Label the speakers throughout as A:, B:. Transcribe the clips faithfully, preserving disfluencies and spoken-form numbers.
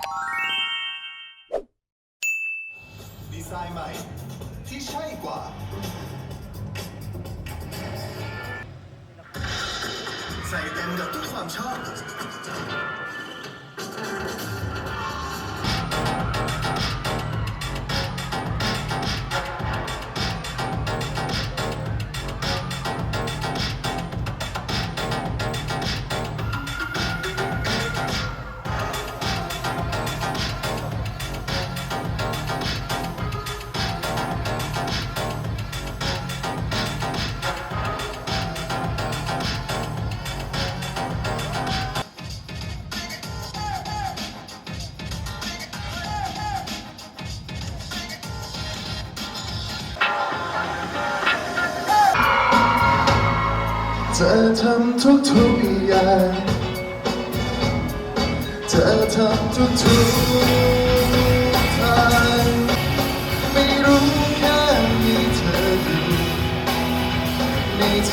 A: ดีไซน์ใหม่ที่ใช่กว่าใส่เต็มกับทุกความชอบเธอทำทุกทุกอย่างเธอทำทุกทุกทางไม่รู้แค่มีเธออยู่ในใจ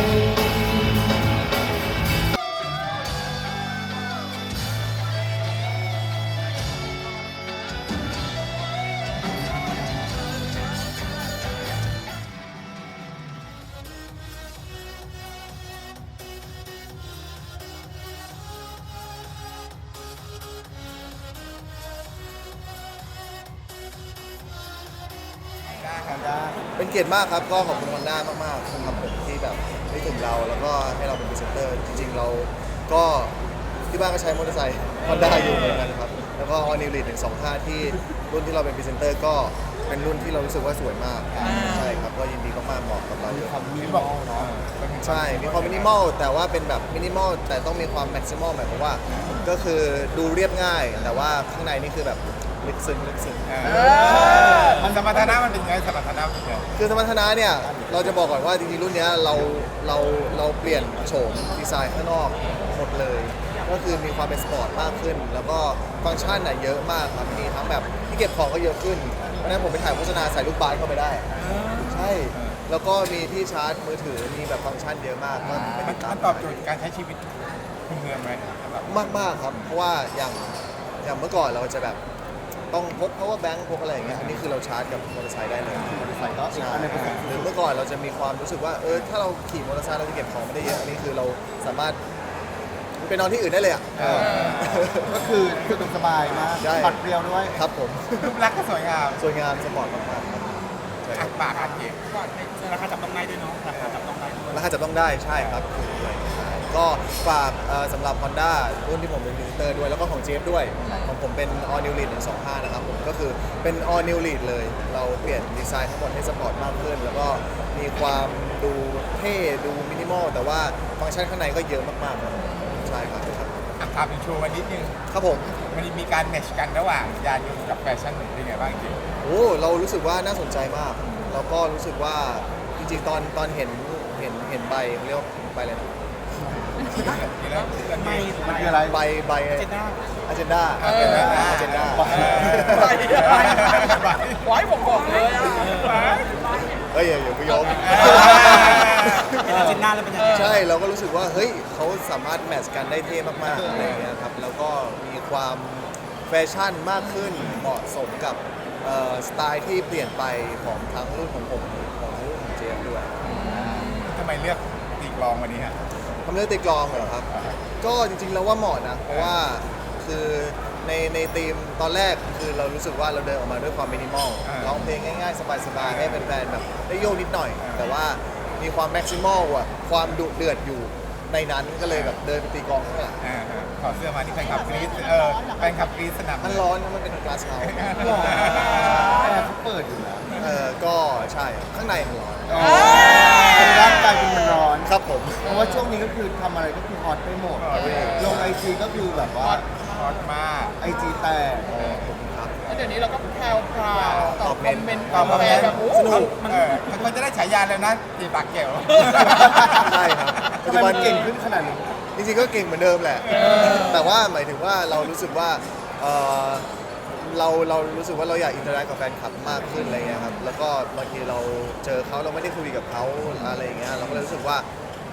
B: เป็นเกียรติมากครับก็ขอบคุณฮอนด้ามากๆครับผมที่แบบได้ถึงเราแล้วก็ให้เราเป็นพรีเซนเตอร์จริงๆเราก็ที่บ้านก็ใช้มอเตอร์ไซค์ฮอนด้าอยู่เหมือนกันครับแล้วก็ออนิวลีดหนึ่งสองห้าที่รุ่นที่เราเป็นพรีเซนเตอร์ก็เป็นรุ่นที่เรารู้สึกว่าสวยมากใช่ครับก็ยินดีมากๆเหมาะกับเราอยู่
C: มินิมอลเนาะ
B: ใช่มีความมินิมอลแต่ว่าเป็นแบบมินิมอลแต่ต้องมีความแม็กซิมอลหมายความว่าก็คือดูเรียบง่าย แต่ว่าข้างในนี่คือแบบลึกซึ้งลึกซึ้ง
C: มันสมรรถนะมันเป็นไงสมรรถนะเป็นไง
B: คือสมรรถนะเนี่ยเราจะบอกก่อนว่าจริงๆรุ่นเนี้ยเราเราเราเปลี่ยนโฉมดีไซน์ข้างนอกหมดเลย ก็คือมีความเป็นสปอร์ตมากขึ้น แล้วก็ฟังก์ชันน่ะเยอะมากครับมีทั้งแบบที่เก็บของก็เยอะขึ้นเพราะฉะนั้นผมไปถ่ายโฆษณาใส่ลูกบาสเข้าไปได้ใช่แล้วก็มีที่ชาร์จมือถือมีแบบฟังก์ชันเยอะมากก็ไป
C: มั
B: ติ
C: น
B: ดตาม
C: ตอบโจทย์การใช้ชีวิตคุณเมืองไหม
B: มากมากๆครับเพราะว่าอย่างอย่างเมื่อก่อนเราจะแบบต้องพก power bank พกอะไรอย่างเงี้ยอันนี้คือเราชาร์จกับมอเตอร์ไซค์ได้เลย
C: มอเตอร์ไซค์ก็อีก
B: ใช่
C: อันหนึงเป็น
B: หรือเมื่อก่อนเราจะมีความรู้สึกว่าเออถ้าเราขี่มอเตอร์ไซค์เราจะเก็บของไม่ได้เยอะอันนี้คือเราสามารถไปนอนที่อื่นได้เลยอ่ะ
C: ก็คือสะดวกสบายมาก
B: ใช่
C: ปัดเปรียวด้วย
B: ครับผม
C: รูปลักษณ์ก็สวยงาม
B: สวยงามสปอร์ตมากๆครับใช่ค
C: อั
B: รับ
C: กปากอักเก็บ
D: ราคาจับต้องได้ด้วยเนาะราคาจับต้องได้ด้วย
B: ราคาจับต้องได้ใช่ครับถูกด้วยใช่ก็ฝากเอ่อสำหรับ Honda รุ่นที่ผมเป็นพรีเซนเตอร์ด้วยแล้วก็ของเจฟด้วยของผมเป็น All New Lead หนึ่งสองห้านะครับผมก็คือเป็น All New Lead เลย เราเปลี่ยนดีไซน์ทั้งหมดให้สปอร์ตมากขึ้น แล้วก็มีความดูเท่ดูมินิมอลแต่ว่าฟังก์ชันข้างในก็เยอะมากๆครับใช่ครับครับ
C: อักภาพเป็นโชว์วันนิดนึง
B: ครับผม
C: มันมีการแมทช์กันระหว่างยานยนต์กับแฟชั่นเป็นไงบ้างจริง
B: โอ้เรารู้สึกว่าน่าสนใจมาก แล้วก็รู้สึกว่าจริงๆ ตอนตอนเห็นเห็นเห็นใบเขาเรียกว่าใบอะไรนะ
C: มีแล้ว
D: ไม่
C: มันคืออะไร
B: ใบใบ
D: เจนด้า
B: อเจนดา
C: เออ
B: อเจนดา
D: ไปไปไว้ผมบอกเลยอ่ะ
B: เฮ้ยอย่าอย่าไปยอม
D: เป็นอาเจนด้าแล้วเป็นยังไง
B: ใช่เราก็รู้สึกว่าเฮ้ยเขาสามารถแมทช์กันได้เท่มากๆอะไรอย่างเงี้ยครับแล้วก็มีความแฟชั่นมากขึ้นเหมาะสมกับเอ่อสไตล์ที่เปลี่ยนไปของทั้งรุ่นของผมของรุ่นของเจฟด้วย
C: ทำไมเลือกตีกลองวันนี้ฮะ
B: ทำเรื่องตีกลองเหรอครับ ก็จริงๆแล้วว่าเหมาะนะ เพราะว่าคือในในธีมตอนแรกคือเรารู้สึกว่าเราเดินออกมาด้วยความมินิมอล
C: อ่า
B: ร้องเพลงง่ายๆ สบายๆ ให้แฟนๆแบบได้โยกนิดหน่อย แต่ว่ามีความแม็กซิมอลอ่ะความดุเดือดอยู่ในนั้นก็เลยแบบเดินไปตีกลองข้างหลัง
C: อ่าฮะถอดเสื้อมาที่แฟนคลับกรี๊ดเออแฟนคลับกรี๊ดสนาม
B: มันร้อนนะมันเป็นกลาสเฮาส์
C: แอร์เขาเปิดอยู่แล้ว
B: เออก็ใช่ข้างในมันร้อน
C: ร่างกายเป็นมันร้อน
B: ครับผม
C: เพราะว่าช่วงนี้ก็คือทำอะไรก็คือฮอตไปหมด ลงไอจีก็คือแบบว่าฮอตมากไอจีแตก
B: ครับ
D: แล้วเดี๋ยวนี้เราก็แพรวพราวตอบคอมเมนต์
C: ตอบคอมเมนต์
D: แบบโอ้
B: สนุก
D: มัน
C: เออมันควรจะได้ฉายาแล้วนะตีปากเกี่ยว
B: ใช่ครับ
C: ทำไมมันเก่งขึ้นขนาดนี้
B: จริงๆก็เก่งเหมือนเดิมแหละ แต่ว่าหมายถึงว่าเรารู้สึกว่าเอ่อเราเรารู้สึกว่าเราอยากอินเตอร์แอคกับแฟนคลับมากขึ้นอะไรเงี้ยครับ แล้วก็บางทีเราเจอเขาเราไม่ได้คุยกับเขาอะไรอย่างเงี้ย เราก็เลยรู้สึกว่า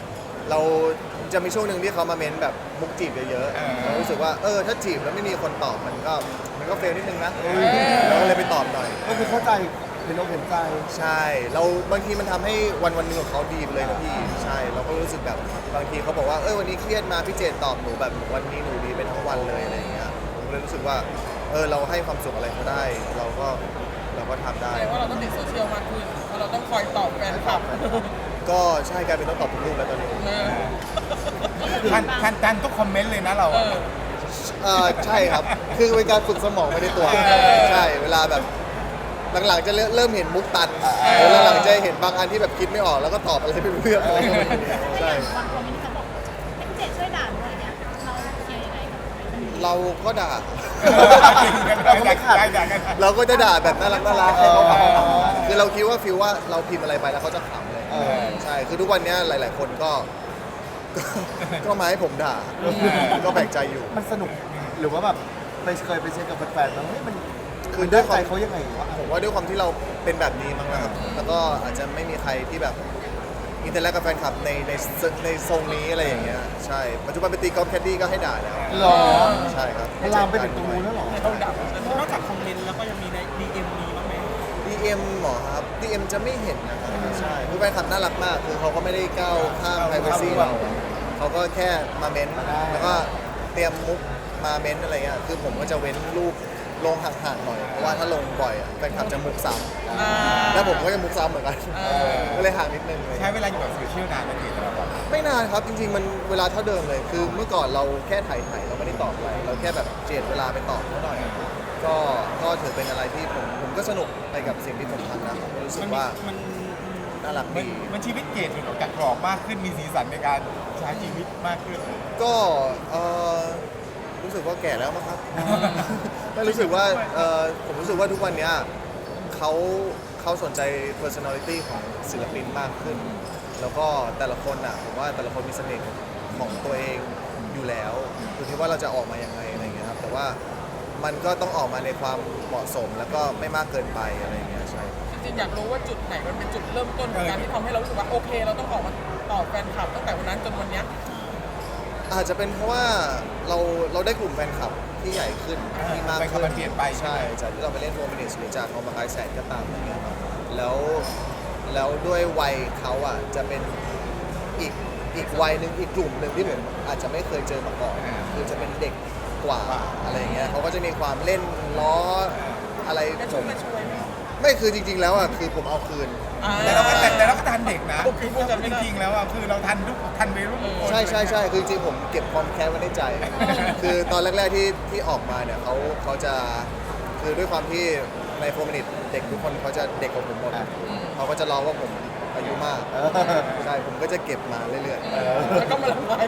B: เราจะมีช่วงหนึ่งที่เขามาเม้นแบบมุกจีบเยอะๆเรารู้สึกว่าเออถ้าจีบแล้วไม่มีคนตอบมันก็มันก็เฟลนิดนึงนะเราก็เลยไปตอบหน่อย
C: ก็คือเข้าใจเห็นอกเห็นใจ
B: ใช่เราบางทีมันทำให้วันวันหนึงของเขาดีไปเลยนะพี่ใช่เราก็รู้สึกแบบบางทีเขาบอกว่าเออวันนี้เครียดมาพี่เจนตอบหนูแบบวันนี้หนูดีไปทั้งวันเลยอะไรอย่างเงี้ยผมเลยรู้สึกว่าเออเราให้ความสุขอะไรเขาได้ เราก็เราก็ทำได้
D: แปลว่าเราต้องติดโซเชียลมากขึ้นเพราะเราต้องคอยตอบแฟนคลับ
B: ก็ใช่กลายเป็นต้องตอบทุกรูปแล้วตอนนี้
D: เออ
E: ทันทันทันทุกคอมเมนต์เลยนะเรา
D: เอ
E: อะ
D: อ
B: เออใช่ครับ คือเป็นการฝึกสมองไปในตัว ใช่เวลาแบบหลังๆจะเริ่มเห็นมุกตันแล้วหลังๆจะเห็นบางอันที่แบบคิดไม่ออกแล้วก็ตอบอะไรไม่รู้เรื่องอะไรก็ไม่รู้ใช่
F: บางคนมินเขาบอกให้พี่เจดช่วยด่าหน่อยเนี่ยเราเคลียร์ยังไงกับมันดี
B: เราก็ด่า
E: เราก็ไม่ขาดกัน
B: เราก็จะด่าแบบน่ารักน่ารัก
C: เอ
B: ให้
C: อ
B: เขาขำคือเราคิดว่าฟิลว่าเราพิมพ์อะไรไปแล้วเขาจะขำเลย
C: เออ
B: ใช่คือทุกวันนี้หลาย ๆ คนก็ก็ก็มาให้ผมด่า ก็แปลกใจอยู่
C: มันสนุกหรือว่าแบบไปเคยไปเช็คกับแฟนๆมั้งเฮ้ยมัน
B: คือ
C: มัน
B: ด้
C: ได้
B: วยค
C: ใจ
B: วาม
C: เขายังไงวะ
B: ผมว่าด้วยความที่เราเป็นแบบนี้มั้งนะครับ แล้วก็อาจจะไม่มีใครที่แบบอินเตอร์แลกกับแฟนคลับในในในทรงนี้อะไรอย่างเงี้ย ใช่ ปัจจุบันไปตีกอล์ฟแคดดี้ก็ให้ด่าแล้ว
C: หรอ
B: ใช่ครับ
C: มันลามไปถึงตรงนู้นแล้วเหรอ
D: ต้องดับ
G: นอกจากคอมเมนต์แล้วก็ยังมีใน ดี เอ็ม มีบ้างไหม
B: ดี เอ็ม หมอครับ ดี เอ็ม จะไม่เห็นนะครับใช่คือแฟนคลับน่ารักมาก คือเขาก็ไม่ได้ก้าวข้าม privacy เรา เขาก็แค่มาเม้นต์แล้วก็เตรียมมุกมาเม้นต์อะไรเงี้ย คือผมก็จะเว้นรูปลงห่างๆหน่อย เพราะว่าถ้าลงบ่อยอะแฟนคลับจะมุกซ้
D: อ่า
B: ำแล้วผมก็จะมุกซ้ำเหมือนกัน
D: เออ
B: ก็เลยห่างนิดนึงเลย
E: ใช้เวลาอยู่กับโซเชียลนานไหมพี่สำหรับเรา
B: ไม่นานครับ จริงๆ มันเวลาเท่าเดิมเลย คือเมื่อก่อนเราแค่ถ่ายถ่ายเราไม่ได้ตอบอะไร เราแค่แบบเจียดเวลาไปตอบเขาหน่อย ก็ก็ถือเป็นอะไรที่ผมผมก็สนุกไปกับสิ่งที่ผมทำนะผมรู้สึกว่า
G: มัน
B: น่ารัก
E: มัน
B: ดี
E: มันชีวิตเกตมันออกจากกรอบมากขึ้นมีสีสันในการใช้ชีวิตมากขึ้น
B: ก็เออรู้สึกว่าแก่แล้วมั้งครับ ไม่รู้สึกว่าเออผมรู้สึกว่าทุกวันเนี้ยเขาเขาสนใจ personality ของศิลปินมากขึ้น แล้วก็แต่ละคนอ่ะผมว่าแต่ละคนมีเสน่ห์ของตัวเองอยู่แล้วอยู่ที่ว่าเราจะออกมายังไงอะไรอย่างเงี้ยครับแต่ว่ามันก็ต้องออกมาในความเหมาะสมแล้วก็ไม่มากเกินไปอะไรอย่างเงี้ยใช่
D: จริงๆอยากรู้ว่าจุดไหนมันเป็นจุดเริ่มต้นของการที่ทำให้เรารู้สึกว่าโอเค เราต้องออกมาตอบแฟนคลับตั้งแต่วันนั้นจนวันเนี้ย
B: อาจจะเป็นเพราะว่าเราเราได้กลุ่มแฟนคลับที่ใหญ่ขึ้นที่มาก
E: ไป
B: ขึ้น
E: มันเปลี่ยนไปใช่
B: ใช่
E: ไหม
B: จากที่เราไปเล่นโฟมินิสหรือจากคอมบาคายแสนก็ตามอะไรเงี้ยครับแล้วแล้วด้วยวัยเขาอ่ะจะเป็นอีกอีกวัยหนึ่งอีกกลุ่มหนึ่งที่ผมอาจจะไม่เคยเจอมาก่อนคือจะเป็นเด็กกว่าอะไรเงี้ยเขาก็จะมีความเล่นล้ออะไร
D: กระ
B: ผ
D: ชุ่ม
B: ม
D: กระชวยไหม
B: ไม่คือจริง ๆ แล้วอ่ะคือผมเอาคืน
D: อ่า
E: แต่เราก็แต่แต่เราก็ทันเด็กนะ
D: โอเคพูดกันไม่
E: จ
D: ได้
E: ริงๆแล้วอ่ะคือเราทันทุกทันวัยรุ่นทุกคน
B: ใช่ใช่ใช่คือจริงๆผมเก็บความแค้นไว้ในใจ คือตอนแรก ๆ ที่ที่ออกมาเนี่ยเขาเขาจะคือด้วยความที่ในโฟมินิตเด็กทุกคนเขาจะเด็กกว่าผมหมดเขาก็จะร้องว่าผมอายุมาก
C: เออ
B: ใช่ผมก็จะเก็บมาเรื่อย
D: แล้วก็มาละลาย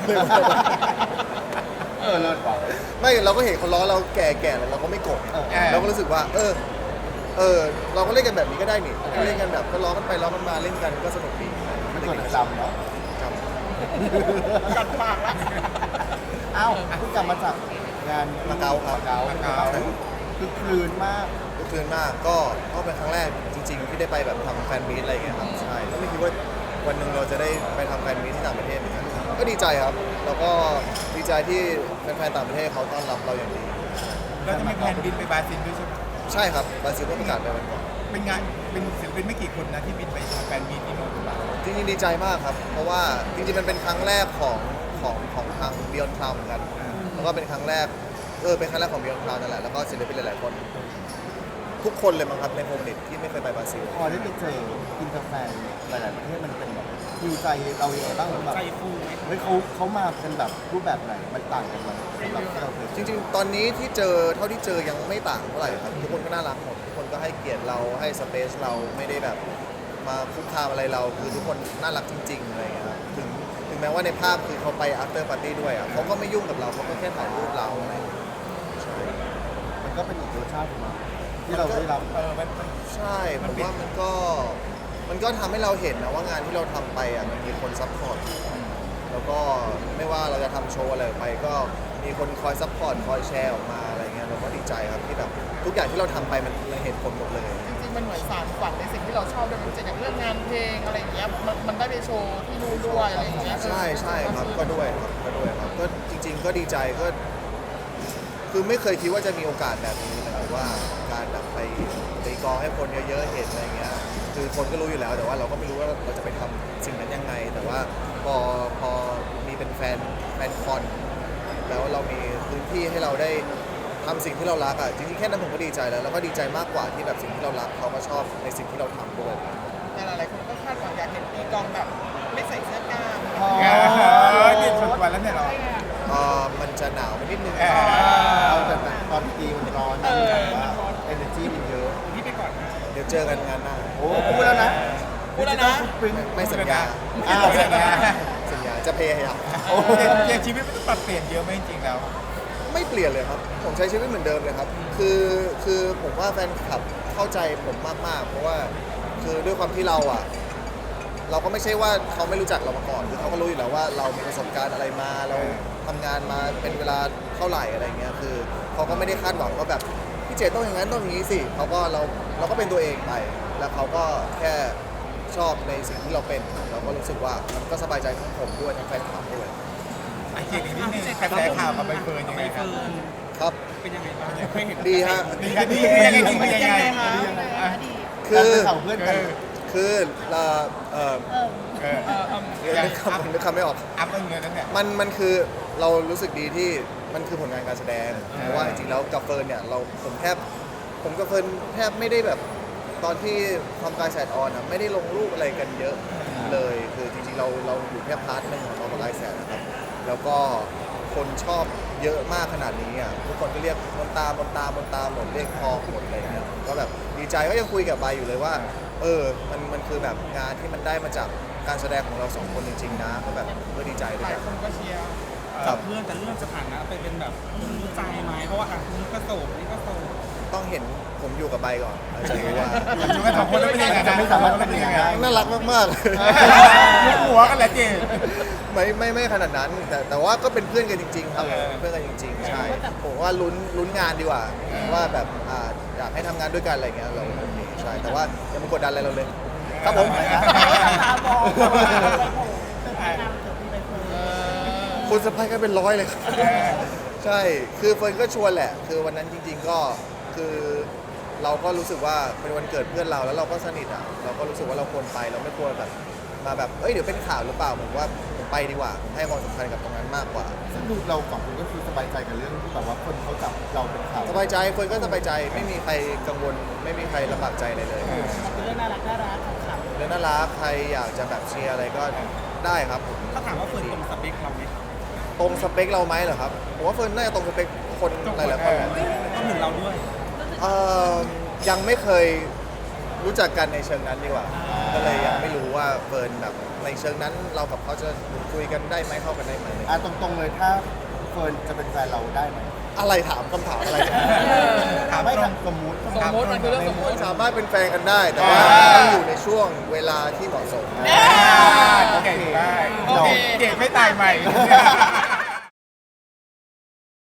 C: เออเลิศว่ะ
B: ๆ ไม่เราก็เห็นเขาร้องเราแก่ๆแล้วเราก็ไม่โกรธไง
C: เออ
B: เราก็รู้สึกว่า เออ เออ เราก็เล่นกันแบบนี้ก็ได้นี่ก็เล่นกันแบบก็ร้องกันไปร้องกันมาเล่นกันก็สนุกดี
C: มันส่วนจำเนาะ
B: ครับ
D: กัดปากละ
C: อ้าวเพิ่งกลับมาจากงาน
B: มาเก๊าครับ
C: มาเก๊าคือคลืนมาก
B: ก็คืนมากก็ก็เป็นครั้งแรกจริง ๆ ที่ได้ไปแบบทำแฟนมีตอะไรอย่างเงี้ยครับใช่ก็ไม่คิดว่าวันหนึ่งเราจะได้ไปทำแฟนมีตที่ต่างประเทศเหมือนกันก็ดีใจครับ แล้วก็ดีใจที่แฟนๆต่างประเทศเขาต้อนรับเราอย่างดี
E: เราจะมีแผนบินไปบราซิลด้วยใช่ไหม
B: ใช่ครับบราซิลเพิ่งประกาศไปวันก่อน
E: เป็นงานเป็นศิลปินไม่กี่คนนะที่บินไปทำแฟนมีตที่โน่นหรือเปล่า
B: จริงๆดีใจมากครับ เพราะว่าจริงๆมันเป็นครั้งแรกของของของทาง Beyond Cloud เหมือนกันแล้วก็เป็นครั้งแรกเออเป็นครั้งแรกของ Beyond Cloud นั่นแหละแล้วก็ศิลปินหลายๆคน ทุกคนเลยมั้งครับในโฮมเน็ตที่ไม่เคยไปบราซิล
C: พอได้ไปเจออินเตอร์แฟนหลาย ๆ ประเทศมันเป็นแบบฮิวใจเราอย่างไรบ้างแบบ
G: ใจฟูไหม
C: เฮ้ยเขาเขามาเป็นแบบรูปแบบไหนมันต่างกันไหมสำหรับที่เราเคย
B: จริงๆ ตอนนี้ที่เจอเท่าที่เจอยังไม่ต่างเท่าไหร่ครับทุกคนก็น่ารักหมดทุกคนก็ให้เกียรติเราให้สเปซเราไม่ได้แบบมาคุกคามอะไรเราคือทุกคนน่ารักจริงๆอะไรอย่างเงี้ยครับถึงถึงแม้ว่าในภาพคือเขาไป after party ด้วยอ่ะเขาก็ไม่ยุ่งกับเราเขาก็แค่ถ่ายรูปเราอะไรอย่างเงี้ย
C: มันก็เป็นอีกรสชาติของมันที่เราได้รับ
E: เออมันมัน
B: ใช่ผมว่ามันก็มันก็ทำให้เราเห็นนะว่างานที่เราทำไปอ่ะมันมีคนซัพพอร์ตแล้วก็ไม่ว่าเราจะทำโชว์อะไรออกไปก็มีคนคอยซัพพอร์ตคอยแชร์ออกมาอะไรเงี้ยยเราก็ดีใจครับที่แบบทุกอย่างที่เราทำไปมันมันเห็นผลหมดเลย
D: จริงๆมันเหมือนสารฝันในสิ่งที่เราชอบด้วยมันจะอย่างเรื่องงานเพลงอะไรอย่างเงี้ยมันมันได้ไปโชว์ที่นู่นด้วยอะไรอย่างเงี้ย
B: ใช่ใช่ครับก็ด้วยครับก็ด้วยครับก็จริง ๆ ก็ดีใจก็ คือไม่เคยคิดว่าจะมีโอกาสแบบนี้นะครับว่าการแบบไปไปกองให้คนเยอะๆเห็นอะไรเงี้ยคือคนก็รู้อยู่แล้วแต่ว่าเราก็ไม่รู้ว่าเราจะไปทำสิ่งนั้นยังไง แต่ว่าพอพอมีเป็นแฟนแฟนคอนแล้วเรามีพื้นที่ให้เราได้ทำสิ่งที่เรารักอ่ะจริงๆแค่นั้นผมก็ดีใจแล้วแล้วก็ดีใจมากกว่าที่แบบสิ่งที่เรารักเขาก็ชอบในสิ่งที่เราทำด้วย
D: แต่หลายๆคนก็คาดหวังอยากเห็นตีกลองแบบไม่ใส่เสื้อกล้าม
E: เออนี่สุดวันแล้วเนี่ยเรา
B: เอ่อมันจะหนาวไปนิดนึง
E: เออ
C: เอาแต่ตอนตีมันร้อนนะแบบว่า energy มันเยอะ
G: พี่ไปก่อนนะ
B: เดี๋ยวเจอกันงานหน้า
C: โอ้พูดแล้วนะ
D: พูดแล้วนะ
C: ปริ้น
B: ไม่สัญญา
C: อ้าวสัญญา
B: สัญญาจะพยายาม
E: โอ้เปลี่ยนชีวิตมันต้องปรับเปลี่ยนเยอะไหมจริงๆแล้ว
B: ไม่เปลี่ยนเลยครับ ผมใช้ชีวิตเหมือนเดิมเลยครับ คือคือผมว่าแฟนคลับเข้าใจผมมากๆ เพราะว่าคือด้วยความที่เราอ่ะ เราก็ไม่ใช่ว่าเขาไม่รู้จักเรามาก่อน คือเขาก็รู้อยู่แล้วว่าเรามีประสบการณ์อะไรมา เราทำงานมาเป็นเวลาเท่าไหร่อะไรเงี้ย คือเขาก็ไม่ได้คาดหวังว่าแบบพี่เจต้องอย่างนั้นต้องอย่างนี้สิเขาก็เราเราก็เป็นตัวเองไป แล้วเขาก็แค่ชอบในสิ่งที่เราเป็น เราก็รู้สึกว่ามันก็สบายใจทั้งผมด้วยทั้งแฟนคลับด้วย
E: ไอ้เจอีกนิดนึงกระแสข่าวกับใบเฟิร์นยังไงครับ
B: ครับ
G: เป็นยังไงบ้างเคยเห็น
B: ดีฮะ
E: ดีกันดีคือยังไงดีคือยังไง
F: อดีต
B: คื
C: การ
B: อ
C: เป็นข่าวเพื่อนกัน
B: คือเราเอ่อ
F: เออ
E: เออ
D: เออเออ
B: นึกคำนึกคำไม่ออก
E: อัพเงินนั้นเนี่ย
B: มันมันคือเรารู้สึกดีที่มันคือผลงานการแสดงเพราะว่าจริงๆแล้วกับเฟิร์นเนี่ยเราผมแทบผมกับเฟิร์นแทบไม่ได้แบบตอนที่ทำการแสดออนอ่ะไม่ได้ลงรูปอะไรกันเยอะเลยคือจริงๆเราเราอยู่แค่พาร์ทหนึงของเรากับไลฟ์แสดนะครับแล้วก็คนชอบเยอะมากขนาดนี้อ่ะทุกคนก็เรียกมนตามนตามนตาหมดเรียกพอหมดอะไรเงี้ยก็แบบดีใจก็ยังคุยกับใบอยู่เลยว่า เออมันมันคือแบบงานที่มันได้มาจากการแสดงของเราสองคนจริงๆนะก็แบบก็ดีใจด้
D: ห
B: วย
D: ลาย
B: กัน
D: คนก็เชียร์
B: ครับ
G: เพื่อนจะเลื่อนสถานะไปเป็นแบบรู้ใจไหมเพราะว่าอ่ะนี่ก็โสดนี่ก็โสด
B: ต้องเห็นผมอยู่กับใบก่อนเราจะรู้ว่า
E: อยู่กันสองคนแล้วเป็นยังไง
C: จะไม่สามารถเป็นยังไง
B: น่ารักมาก
E: ยกหัวกันแหละเจ
B: ๆ ไม่ไม่ไม่ขนาดนั้น แต่แต่ว่าก็เป็นเพื่อนกันจริง ๆ ครับ
E: เออ
B: เป็นเพื่อนกันจริง ๆ ใช่ผมว่าลุ้นลุ้นงานดีกว่าว่าแบบอ่าอยากให้ทำงานด้วยกันอะไรเงี้ยเราโอเคใช่แต่ว่าอย่ามากดดันอะไรเราเลยครับผม คุณสะพายกันเป็นร้อยเลยครับใช่ คือเฟิร์นก็ชวนแหละ คือวันนั้นจริง ๆ ก็คือเราก็รู้สึกว่าเป็นวันเกิดเพื่อนเราแล้วเราก็สนิทอ่ะ เราก็รู้สึกว่าเราควรไปเราไม่ควรแบบมาแบบ เอ้ยเดี๋ยวเป็นข่าวหรือเปล่าผมว่าผมไปดีกว่าผมให้ความสำคัญกับตรงนั้นมากกว่า
C: ซึ่งดูเราสองคนก็คือสบายใจกับเรื่องที่แบบว่าคนเขาจับเราเป็นข่าว
B: สบายใจเฟิร์นก็สบายใจไม่มีใครกังวล ไม่มีใครลำบากใจอะไรเลย
G: เป็นเรื่องน่ารักน่ารักขำ
B: เรื่องน่ารักใครอยากจะแบบเชียร์อะไรก็ได้ครับผม
G: ๆถ้าถามว่าเฟิร์นตรงสเปคเราไหม
B: ตรงสเปคเราไหมเหรอครับผมว่าเฟิร์นน่าจะตรงสเปคคนหลายๆคนแหละ
G: ต้องถึงเราด้วย
B: เอ่อยังไม่เคยรู้จักกันในเชิงนั้นดีกว่า ก็เลยยังไม่รู้ว่าเฟิร์นแบบในเชิงนั้นเรากับเขาจะคุยกันได้ไหมเข้ากันได้ไหม
C: อ่ะตรงๆเลยถ้าเฟิร์นจะเป็นแฟนเราได้ไหม
B: อะไรถามคำถามอะไรเนี่ย
C: ถามไม่ทำสมมุติ
D: สมมติมันคือเรื่องสมมติ
B: สามารถเป็นแฟนกันได้ แต่ว่าต้องอยู่ในช่วงเวลาที่เหมาะสม
E: เก่งมาก
D: โอเค
E: เก่งไม่ตายใหม่